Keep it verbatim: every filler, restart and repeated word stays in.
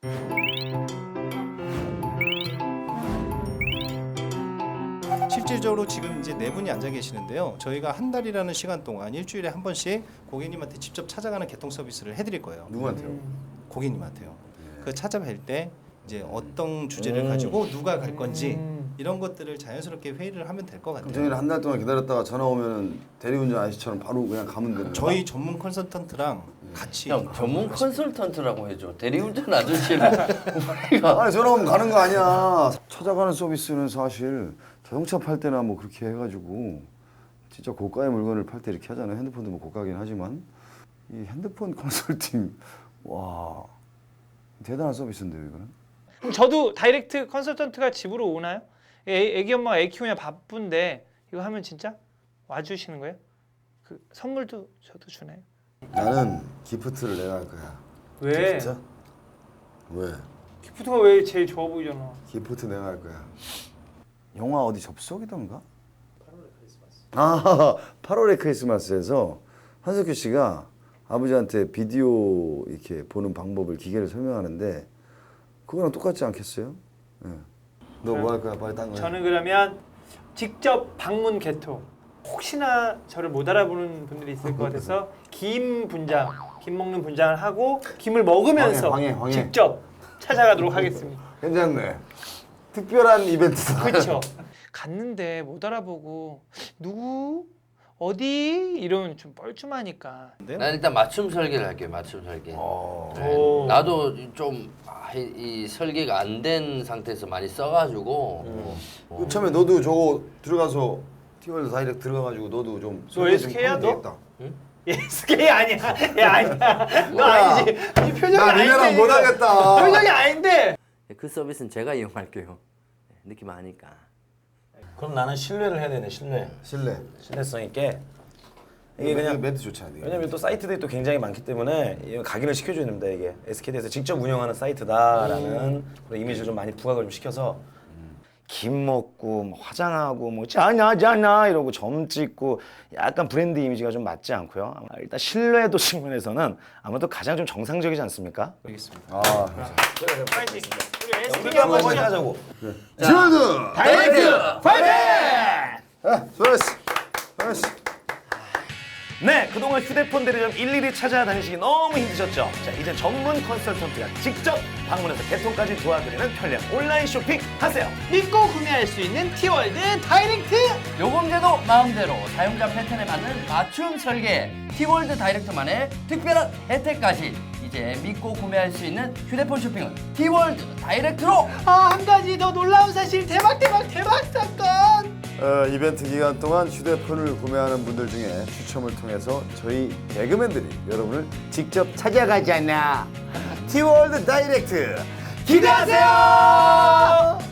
실질적으로 지금 이제 네 분이 앉아 계시는데요. 저희가 한 달이라는 시간 동안 일주일에 한 번씩 고객님한테 직접 찾아가는 개통 서비스를 해드릴 거예요. 누구한테요? 고객님한테요. 네. 그 찾아뵐 때 이제 어떤 주제를 가지고 누가 갈 건지 음. 이런 것들을 자연스럽게 회의를 하면 될 것 그럼 같아요. 저희는 한 달 동안 기다렸다가 전화 오면 대리운전 아저씨처럼 바로 그냥 가면 되는 거야? 저희 전문 컨설턴트랑 같이 형 전문 컨설턴트라고 해줘. 대리운전 아저씨를 우리가 아니 전화 오면 가는 거 아니야. 찾아가는 서비스는 사실 자동차 팔 때나 뭐 그렇게 해가지고 진짜 고가의 물건을 팔 때 이렇게 하잖아요. 핸드폰도 뭐 고가긴 하지만 이 핸드폰 컨설팅 와 대단한 서비스인데요 이거는. 그럼 저도 다이렉트 컨설턴트가 집으로 오나요? 애, 애기 엄마가 애 키우냐 바쁜데 이거 하면 진짜 와주시는 거예요? 그 선물도 저도 주나요? 나는 기프트를 내가 할 거야. 왜? 진짜? 왜? 기프트가 왜 제일 좋아 보이잖아. 기프트 내가 할 거야. 영화 어디 접속이던가? 팔월의 크리스마스. 아, 팔월의 크리스마스에서 한석규 씨가 아버지한테 비디오 이렇게 보는 방법을 기계를 설명하는데 그거랑 똑같지 않겠어요? 예. 너 뭐 할 거야? 빨리 딴 거야. 저는 그러면 직접 방문 개통. 혹시나 저를 못 알아보는 분들이 있을 것 같아서 김 분장, 김 먹는 분장을 하고 김을 먹으면서 황해, 황해, 황해. 직접 찾아가도록 하겠습니다. 괜찮네. 특별한 이벤트다. 그렇죠. 갔는데 못 알아보고 누구 어디 이러면 좀 뻘쭘하니까. 난 일단 맞춤 설계를 할게요. 맞춤 설계. 어. 네. 오. 나도 좀 이 설계가 안 된 상태에서 많이 써가지고 그 처음에 너도 저거 들어가서 티월드 다이렉트 들어가가지고 너도 좀 너 설계 좀 에스케이야, 하면 너? 되겠다. 에스케이 아니야. 야 아니야. 너 뭐야? 아니지. 이 표정이 나 아닌데. 니네랑 지금. 못하겠다. 표정이 아닌데. 그 서비스는 제가 이용할게요. 느낌 아니까. 그럼 나는 신뢰를 해야 되네. 신뢰. 실내. 신뢰성 있게. 이게 이게 그냥 멘트 좋지 않니? 왜냐면 또 사이트들이 또 굉장히 많기 때문에 이거 각인을 시켜줘야 됩니다. 이게 에스케이에서 직접 운영하는 사이트다라는 그런 이미지를 좀 많이 부각을 좀 시켜서 김 먹고 뭐 화장하고 뭐 짜냐 짜냐 이러고 점 찍고 약간 브랜드 이미지가 좀 맞지 않고요. 아마 일단 신뢰도 측면에서는 아무래도 가장 좀 정상적이지 않습니까? 알겠습니다. 아, 파이팅. 우리 에스케이 우리도 한번 한번 하자고. 지원드. 다이렉트 파이팅. 아, 수고했어. 수고했어. 네, 그동안 휴대폰 대리점 일일이 찾아다니시기 너무 힘드셨죠? 자, 이제 전문 컨설턴트가 직접 방문해서 개통까지 도와드리는 편리한 온라인 쇼핑 하세요. 믿고 구매할 수 있는 티월드 다이렉트. 요금제도 마음대로 사용자 패턴에 맞는 맞춤 설계 티월드 다이렉트만의 특별한 혜택까지 이제 믿고 구매할 수 있는 휴대폰 쇼핑은 티월드 다이렉트로. 아, 한 가지 더 놀라운 사실. 대박 대박 대박 사건. 어, 이벤트 기간 동안 휴대폰을 구매하는 분들 중에 추첨을 통해서 저희 개그맨들이 여러분을 직접 찾아가잖아. 티월드 다이렉트 기대하세요.